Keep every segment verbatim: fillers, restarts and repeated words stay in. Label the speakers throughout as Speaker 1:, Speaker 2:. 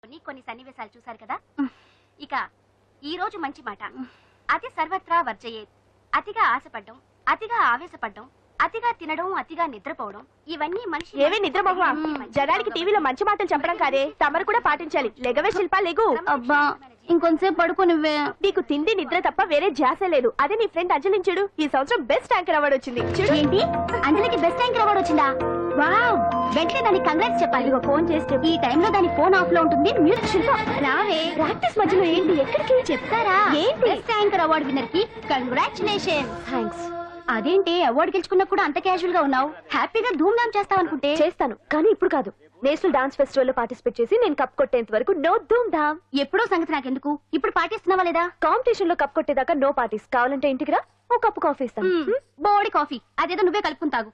Speaker 1: కొన్ని కొన్ని సన్నివేశాలు చూశారు కదా. ఇక ఈ రోజు మంచి మాట, అతి సర్వత్రా వర్జయేత్. అతిగా ఆశపడ్డం, అతిగా ఆవేశపడ్డం, అతిగా తినడం, అతిగా నిద్రపోవడం, ఇవన్నీ మనిషి
Speaker 2: ఏవే నిద్రమోహ జనానికి టీవీలో మంచి మాటలు చెప్పడం కాదే, తమరు కూడా పాటించాలి. లెగవే శిల్పా లెగు.
Speaker 1: అబ్బా ఇంకొంతసేపు పడుకో నువ్వే.
Speaker 2: నీకు తిండి నిద్ర తప్ప వేరే ధ్యాస లేదు. అదే నీ ఫ్రెండ్ అంజలించుడు, ఈ సంవత్సరం బెస్ట్ యాంకర్ అవార్డు వచ్చింది. చూడు.
Speaker 1: ఏంటి అంజలికి బెస్ట్ యాంకర్ అవార్డు వచ్చిందా? వావ్, వెంటనే దానికి కంగ్రాట్స్ చెప్పాలి. ఇదిగో ఫోన్ చేస్తే ఈ టైంలో దాని ఫోన్ ఆఫ్ లో ఉంటుంది. మ్యూజిక్ శిల్ప రావే. ప్రాక్టీస్ మధ్యలో ఏంటి, ఎక్కడికి చెప్తారా? ఏంటి బెస్ట్ యాంకర్ అవార్డు విన్నర్ కి కంగ్రాచులేషన్.
Speaker 2: థ్యాంక్స్.
Speaker 1: అదేంటి అవార్డు గెలుచుకున్నా కూడా అంత క్యాజువల్ గా ఉన్నావు? హ్యాపీగా ధూమ్ ధామ్ చేస్తావు అనుకుంటే.
Speaker 2: చేస్తాను, కానీ ఇప్పుడు కాదు. నేషనల్ డాన్స్ ఫెస్టివల్ లో పార్టిసిపేట్ చేసి నేను కప్ కొట్టేంత వరకు నో ధూమ్ ధామ్.
Speaker 1: ఎప్పుడో సంగతి నాకెందుకు, ఇప్పుడు పాటిస్తున్నావా లేదా?
Speaker 2: కాంపిటీషన్ లో కప్ కొట్టేదాకా నో పార్టీస్. కావాలంటే ఇంటికి రా, ఓ కప్పు కాఫీ ఇస్తాను.
Speaker 1: బోడి కాఫీ అదేదో నువ్వే కలుపుకుని తాగు.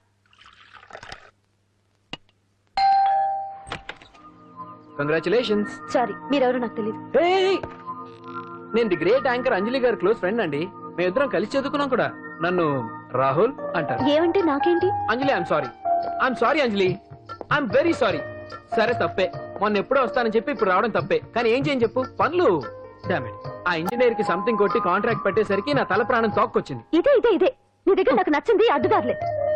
Speaker 3: కంగ్రాచులేషన్స్.
Speaker 2: సారీ, మీరెవరో నాకు తెలియదు.
Speaker 3: నేను ది గ్రేట్ యాంకర్ అంజలి గారి క్లోజ్ ఫ్రెండ్ అండి. మేమిద్దరం కలిసి చదువుకున్నాం కూడా. నన్ను రాహుల్ అంటారు.
Speaker 2: ఏమంటే నాకేంటి?
Speaker 3: Anjali I'm sorry. I'm sorry Anjali, I'm very sorry. సరే తప్పే, మొన్న ఎప్పుడో వస్తానని చెప్పి ఇప్పుడు రావడం తప్పే. కానీ ఏం చేయని చెప్పు, పనులు. డామిట్, ఆ ఇంజనీర్ కి సంథింగ్ కొట్టి కాంట్రాక్ట్ పెట్టేసరికి నా తల ప్రాణం తోక్కొచ్చింది.
Speaker 2: ఇదే ఇదే ఇదే నీ దగ్గర నాకు నచ్చింది అడ్డుదారులే.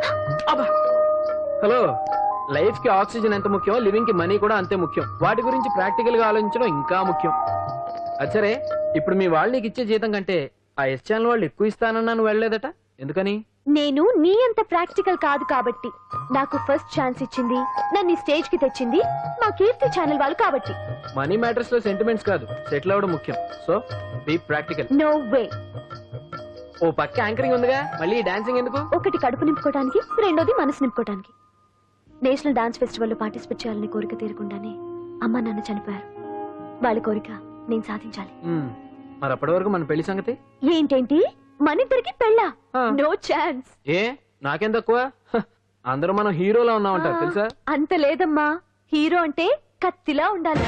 Speaker 3: హలో, లైఫ్ కి ఆక్సిజన్ ఎంత ముఖ్యం, లివింగ్ కి మనీ కూడా అంతే ముఖ్యం. వాటి గురించి ప్రాక్టికల్ గా ఆలోచించడం ఇంకా ముఖ్యం. అచ్చరే, ఇప్పుడు మీ వాళ్ళు నీకు ఇచ్చే జీతం కంటే ఆ ఎస్ ఛానల్ వాళ్ళు ఎక్కువ ఇస్తానన్నా నువ్వు వెళ్ళలేదట, ఎందుకని?
Speaker 2: నేను నీ అంత ప్రాక్టికల్ కాదు కాబట్టి. నాకు ఫస్ట్ ఛాన్స్ ఇచ్చింది, నన్ను స్టేజ్ కి తెచ్చింది మా కీర్తి ఛానల్ వాళ్ళు కాబట్టి.
Speaker 3: మనీ మ్యాటర్స్ లో సెంటిమెంట్స్ కాదు, సెటిల్ అవ్వడం ముఖ్యం. So be practical.
Speaker 2: No way.
Speaker 3: ఓ పక్క యాంకరింగ్ ఉందిగా, మళ్ళీ డాన్సింగ్ ఎందుకు?
Speaker 2: ఒకటి కడుపు నింపుకోవడానికి, రెండోది మనసు నింపుకోవడానికి. నేషనల్ డాన్స్ ఫెస్టివల్ లో పార్టిసిపేట్ చేయాలని కోరిక తీరకుండానే అమ్మ నాన్న చనిపోయారు. వాళ్ళ కోరిక నేను సాధించాలి.
Speaker 3: మరి అప్పటి వరకు మన పెళ్లి సంగతి
Speaker 2: ఏంటేంటి, మన ఇద్దరికి పెళ్ళా? No chance.
Speaker 3: ఏ నాకేం తక్కువ? హ, అందరూ మనం హీరోలా ఉన్నామంటారు తెలుసా?
Speaker 2: అంత లేదమ్మా, హీరో అంటే కత్తిలా ఉండాలి.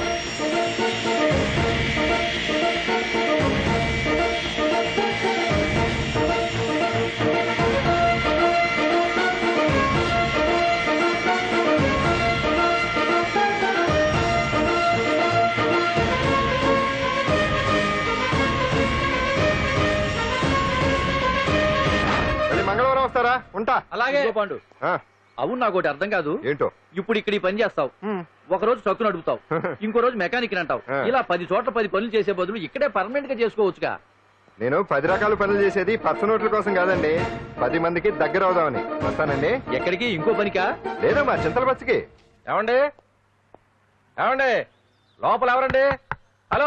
Speaker 4: మంగళవారం వస్తారా? ఉంటా.
Speaker 5: అలాగే పాండు. అవును, నాకు ఒకటి అర్థం కాదు.
Speaker 4: ఏంటో?
Speaker 5: ఇప్పుడు ఇక్కడ ఈ పని చేస్తావు, ఒక రోజు ట్రక్కు నడుపుతావు, ఇంకో రోజు మెకానిక్ అంటావు. ఇలా పది చోట్ల పది పనులు చేసే బదులు ఇక్కడే పర్మనెంట్ గా చేసుకోవచ్చుగా.
Speaker 4: నేను పది రకాల పనులు చేసేది పచ్చ నోట్ల కోసం కాదండి, పది మందికి దగ్గర అవుదామని. వస్తానండి.
Speaker 5: ఎక్కడికి? ఇంకో పనికా?
Speaker 4: లేదమ్మా, చింతల బస్సుకి.
Speaker 5: ఏమండి ఏమండి లోపల ఎవరండి? హలో,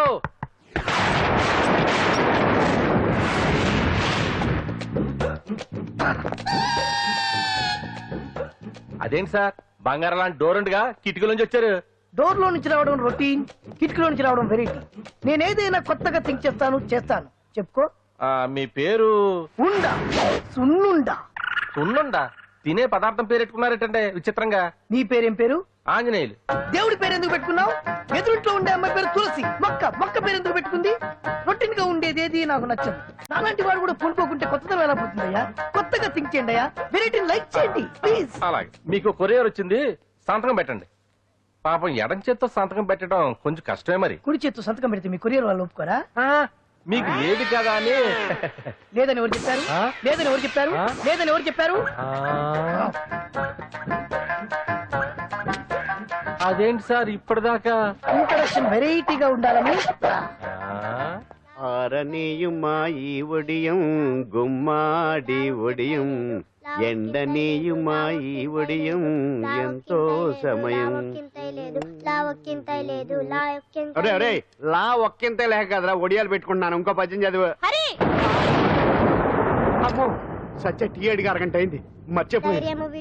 Speaker 5: అదేంటి సార్, బంగారం లాంటి డోర్ ఉండగా కిటికీ నుంచి వచ్చారు?
Speaker 6: డోర్ లో నుంచి రావడం రొటీన్, కిటికీలో నుంచి రావడం వెరైటీ. నేనేదైనా కొత్తగా థింక్ చేస్తాను చేస్తాను. చెప్పుకో.
Speaker 5: ఆ, మీ పేరు?
Speaker 6: ఉండా, సున్నుండా.
Speaker 5: సున్నుండా? తినే పదార్థం పేరు పెట్టుకున్నారేటంటే విచిత్రంగా.
Speaker 6: నీ పేరేం పేరు?
Speaker 5: ఆంజనేయులు.
Speaker 6: దేవుడి పేరు ఎందుకు పెట్టుకున్నావు? ఎదురుంట్లో ఉండే అమ్మాయి పేరు తులసి. మొక్క మొక్క పేరు ఎందుకు పెట్టుకుంది? రొటీన్ గా ఉండేది ఏది నాకు నచ్చదు. నాలాంటి వాడు కూడా పూనుకోకుంటే కొత్తదనం ఎలా పోతుందయ్యా? కొత్తగా థింక్ చేయండి అయ్యా, వెరైటీని లైక్ చేయండి ప్లీజ్.
Speaker 5: అలాగే, మీకు కొరియర్ వచ్చింది, సంతకం పెట్టండి. పాపం ఎడం చేత్తో సంతకం పెట్టడం కొంచెం కష్టమే. మరి
Speaker 6: కుడి చేత్తు సంతకం పెడితే మీ కొరియర్ వాళ్ళు ఒప్పుకోరా?
Speaker 5: మీకు లేదు కదా అని.
Speaker 6: లేదని ఎవరు చెప్పారు? లేదని ఎవరు చెప్పారు? లేదని ఎవరు చెప్పారు?
Speaker 5: అదేంటి సార్ ఇప్పటిదాకా
Speaker 6: ఇంట్రడక్షన్ వెరైటీగా ఉండాలని.
Speaker 7: ఆరనీయుమా ఈ ఒడియం గుమ్మాడి ఒడియం, ఎండనీయుమా ఈ ఒడియం ఎంతో సమయం. అరే అరే, లా ఒక్కింతే లేక కదరా ఒడియాలు పెట్టుకుంటున్నాను. ఇంకో పద్యం చదువు. అమ్మో, సత్య టీ అడిగి అరగంట అయింది, మర్చిపోయి.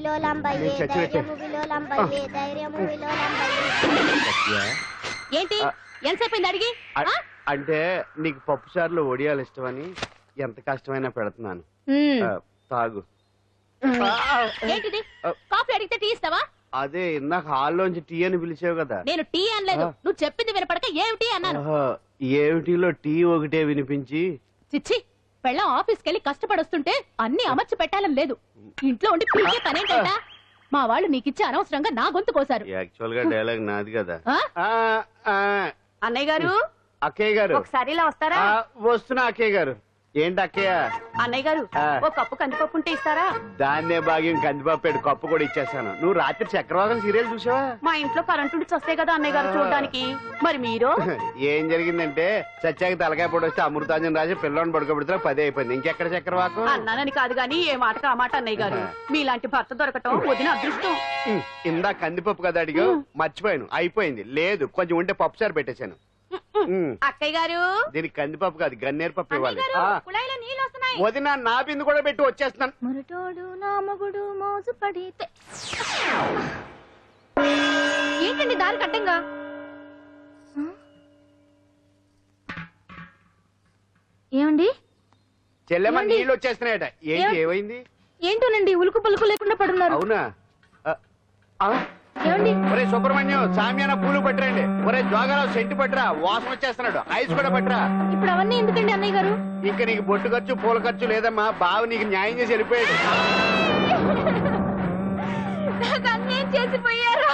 Speaker 1: ఏంటి ఎంతసేపు అడిగి?
Speaker 7: అంటే నీకు పప్పు సార్లు ఒడియాలు ఇష్టమని ఎంత కష్టమైనా పెడుతున్నాను. తాగు.
Speaker 1: ఏంటిది? కాఫీ అడిగితే టీ ఇస్తావా?
Speaker 7: అదే ఇందాక హాల్లోంచి టీ అని పిలిచావు కదా.
Speaker 1: నేను టీ అనలేదు, నువ్వు చెప్పింది వినపడక ఏమిటి అన్నాను.
Speaker 7: ఏమిటిలో టీ ఒకటే వినిపించి.
Speaker 1: చిచ్చి, పెళ్ళం ఆఫీస్కి వెళ్ళి కష్టపడొస్తుంటే అన్ని అమర్చి పెట్టాలని లేదు. ఇంట్లో ఉండి పీకే పనేంటా? మా వాళ్ళు నీకిచ్చి అనవసరంగా నా గొంతు కోసారు.
Speaker 7: యాక్చువల్ గా డైలాగ్ నాది కదా.
Speaker 1: ఆ?
Speaker 7: ఆ, ఆ,
Speaker 1: అన్నయ్య గారు
Speaker 7: అక్కయ్య గారు
Speaker 1: ఒకసారి ఇలా వస్తారా?
Speaker 7: ఆ, వస్తున్నా అక్కయ్య గారు. ఏంటి అక్కయ్య?
Speaker 1: అన్నయ్య గారు
Speaker 7: ఆ.
Speaker 1: ఒక కప్పు కందిపప్పు ఉంటే ఇస్తారా?
Speaker 7: దాన్నే భాగ్యం కందిపాపేడు కప్పు కూడా ఇచ్చేసాను. నువ్వు రాత్రి చక్రవాకం సీరియల్ చూసావా?
Speaker 1: మా ఇంట్లో కరెంటు ఉండి వస్తే కదా అన్నయ్య గారు చూడడానికి. మరి మీరు
Speaker 7: ఏం జరిగిందంటే సత్యాకి తలకాయ పొడి వస్తే అమృతాంజన్ రాజు పిల్లని పడుకోబెడితే పదే అయిపోయింది. ఇంకెక్కడ చక్రవాకం?
Speaker 1: అన్నానని కాదు గాని ఏ మాటకు ఆ మాట అన్నయ్య గారు. మీలాంటి భర్త దొరకటం వదిన అదృష్టం.
Speaker 7: ఉమ్, ఇందా కందిపప్పు కదా అడిగా, మర్చిపోయాను. అయిపోయింది. లేదు కొంచెం ఉంటే పప్పు సార్ పెట్టేశాను. ఉమ్,
Speaker 1: అక్కయ్య గారు
Speaker 7: దీనికి కందిపప్పు కాదు గన్నేరు పప్పు ఇవ్వాలి.
Speaker 1: అన్నయ్య
Speaker 7: ఆ,
Speaker 1: గారు, కుళాయిలో నీళ్ళు వస్తున్నాయి.
Speaker 7: వదిన నా బిందు కూడా పెట్టి వచ్చేస్తున్నాను.
Speaker 2: మురటోడు నా మగుడు మోజు పడితే.
Speaker 1: ఏంటండి దారి కట్టంగా?
Speaker 2: ఏమండి
Speaker 7: చెల్లెమ్మ
Speaker 2: ఏమండి?
Speaker 7: నీళ్ళు వచ్చేస్తున్నాయట. ఏంటి
Speaker 2: ఏం-
Speaker 7: ఏమైంది?
Speaker 2: ఏంటోనండి ఉలుకు పలుకు లేకుండా పడున్నారు.
Speaker 7: అవునా? ఆ, ఆ,
Speaker 2: ఏమండి
Speaker 7: ఒరే సుబ్రహ్మణ్యం సామ్యాన పూలు పట్టరండి. ఒరే జోగారావు సెంటు పట్టరా, వాసన వచ్చేస్తున్నాడు. ఐస్ కూడా పట్టరా.
Speaker 2: ఇప్పుడు అవన్నీ ఎందుకండి అన్నయ్య గారు?
Speaker 7: ఇంకా నీకు బొట్టు ఖర్చు పూల ఖర్చు లేదమ్మా. బావ నీకు న్యాయం చేసి వెళ్ళిపోయాడు.
Speaker 2: నాకు అన్యాయం చేసిపోయారు.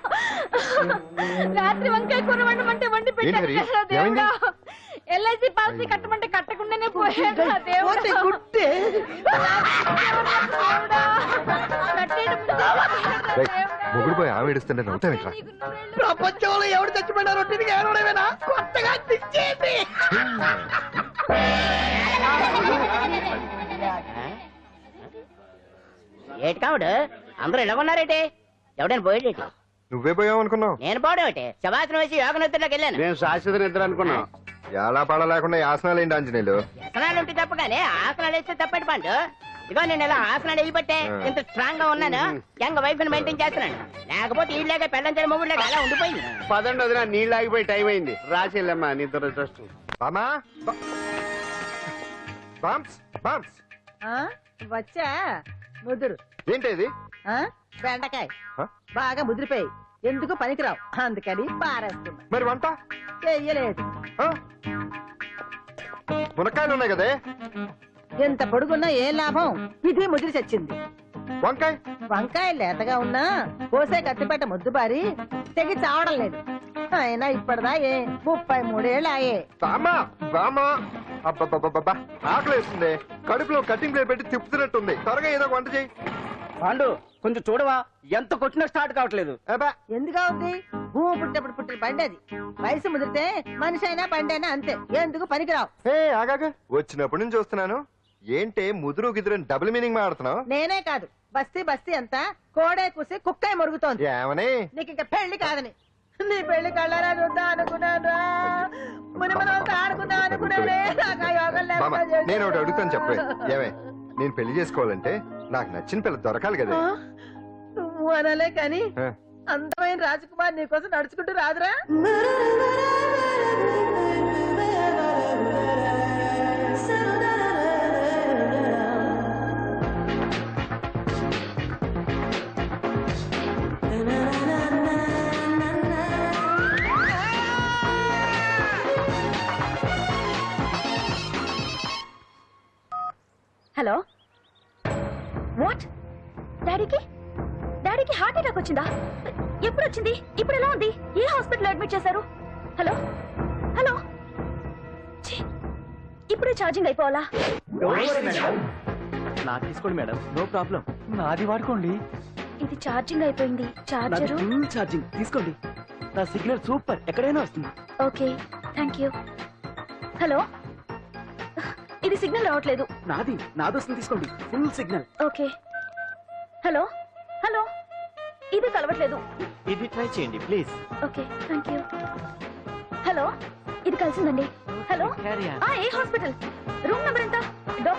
Speaker 2: రాత్రి వంకాయ కూర వండమంటే వండి పెట్టారు
Speaker 4: హరి?
Speaker 2: కదా
Speaker 4: ఏమైంది?
Speaker 2: దేవుడా. ఎల్ఐసి పాలసీ కట్టమంటే కట్టకుండానే పోయాడు నా దేవుడా.
Speaker 6: పోతే గుట్టే.
Speaker 2: దేవుడా. కట్టేయడం ముందే పోయాడు నా
Speaker 4: రేయ్,
Speaker 2: దేవుడా.
Speaker 4: మొగుడు పోయి ఆమె ఏడుస్తుంటే నవ్వుతావేట్రా?
Speaker 2: నీకు నూరేళ్ళు.
Speaker 6: ప్రపంచంలో ఎవడు చచ్చిపోయినా రొట్టెని ఏడవడమేనా? కొత్తగా తెచ్చేయండి.
Speaker 8: ఏటి కావుడు అందరూ ఇలా ఉన్నారేటి? ఎవడైనా పోయేటి?
Speaker 4: నువ్వే పోయావు అనుకున్నావు.
Speaker 8: నేను పోవడం ఏంటి? శవాసనం వేసి యోగ నిద్రలోకి వెళ్ళాను.
Speaker 7: నేను శాశ్వత నిద్ర అనుకున్నా.
Speaker 4: ఎలా పాడ లేకుండా యాసనాలు ఏంటి ఆంజనేయులు?
Speaker 8: వ్యసనాలు ఉంటే తప్ప కానీ ఆసనాలు వేస్తే తప్పటి పండు. ఇదిగో నేను ఇలా ఆసనాలు వేయబట్టే ఇంత స్ట్రాంగ్ గా ఉన్నాను. యంగ్ వైఫ్ ని మెయింటైన్ చేస్తున్నాను. లేకపోతే ఈ లేక పెళ్ళంచని మొగుడు లేక అలా ఉండిపోయింది.
Speaker 7: పదండి వదిన, నీళ్ళు ఆగిపోయి టైం అయింది. రాసేళ్ళమ్మా నీ దురదృష్టం.
Speaker 4: బామా బా- బామ్స్ బామ్స్
Speaker 9: వచ్చా ముదురు
Speaker 4: ఏంటి ఇది?
Speaker 9: ఆ? బెండకాయ
Speaker 4: ఆ?
Speaker 9: బాగా ముదిరిపోయి ఎందుకు పనికిరావు అందుకని పారేస్తున్నా.
Speaker 4: మరి వంట?
Speaker 9: చెయ్యలేదు.
Speaker 4: ఆ? మునక్కాయలు ఉన్నాయి కదే.
Speaker 9: ఎంత పొడుగున్నా ఏం లాభం? ఇది ముదిరి చచ్చింది.
Speaker 4: వంకాయ
Speaker 9: వంకాయ లేతగా ఉన్నా కోసే కత్తిపేట ముద్దు బారి తెగి చావడం లేదు. అయినా ఇప్పటిదా ఏ ముప్పై మూడేళ్ళు ఆయే.
Speaker 4: బామా బామా అబ్బబ్బబ్బబ్బా ఆకలి వేస్తుంది. కడుపులో కటింగ్ ప్లేట్ పెట్టి తిప్పుతున్నట్టుంది. త్వరగా ఏదో ఒక వంట చేయి.
Speaker 5: పాండు కొంచెం చూడవా, ఎంత కొట్టినా స్టార్ట్ కావట్లేదు.
Speaker 4: అబ్బా
Speaker 9: ఎందుగా ఉంది? భూమి పుట్టినప్పుడు పుట్టిన బండి అది. వయసు ముదిరితే మనిషి అయినా బండి అయినా అంతే. ఎందుకు పనికిరావు.
Speaker 4: హే ఆగాక వచ్చినప్పటి నుంచి చూస్తున్నాను. ఏంటే ముదురు గిదురు డబుల్ మీనింగ్ మాడుతున్నావు?
Speaker 9: నేనే కాదు బస్తీ బస్తీ అంతా కోడే కూసి కుక్కాయ మరుగుతోంది.
Speaker 4: ఏమని?
Speaker 9: నీకు ఇంకా పెళ్లి కాదని. నీ పెళ్లి కళ్ళారా చూద్దాం అనుకున్నాను. ముని మనం అంతా ఆడుకుందాం అనుకున్నానే. నాకు ఆ యోగం
Speaker 4: బామ్మ
Speaker 9: లేకుండా చేశారు.
Speaker 4: నేను ఒకటి అడుగుతాను చెప్పే. ఏమే నేను పెళ్లి చేసుకోవాలంటే నాకు నచ్చిన పిల్ల దొరకాలి కదా.
Speaker 9: ఆ? నువ్వు అనలే కాని
Speaker 4: ఆ.
Speaker 9: అందమైన రాజకుమార్ నీకోసం నడుచుకుంటూ రాదురా.
Speaker 2: Hello what? డాడీకి డాడీకి హార్ట్ అటాక్ వచ్చిందా? ఎప్పుడు వచ్చింది? ఇప్పుడు ఎలా ఉంది? ఏ హాస్పిటల్ అడ్మిట్ చేశారు? హలో హలో ఛీ, ఇప్పుడే ఛార్జింగ్ అయిపోవాలా?
Speaker 3: నాకు తీసుకోండి మేడం, నో ప్రాబ్లం. నాది వాడుకోండి.
Speaker 2: ఇది ఛార్జింగ్ అయిపోయింది. చార్జరు
Speaker 3: ఫుల్ ఛార్జింగ్ తీసుకోండి. నా సిగ్నల్ సూపర్, ఎక్కడైనా వస్తుంది.
Speaker 2: Okay thank you. హలో ఇది సిగ్నల్ రావట్లేదు.
Speaker 3: నాది నాది వస్తుంది, తీసుకోండి. Full signal.
Speaker 2: Okay hello hello ఇది కలవట్లేదు.
Speaker 3: ఇది ట్రై చేయండి please.
Speaker 2: Okay thank you. Hello ఇది కలిసిందండి. Hello
Speaker 3: Carry on.
Speaker 2: ఆ, ఏ హాస్పిటల్? రూమ్ నెంబర్ ఎంత?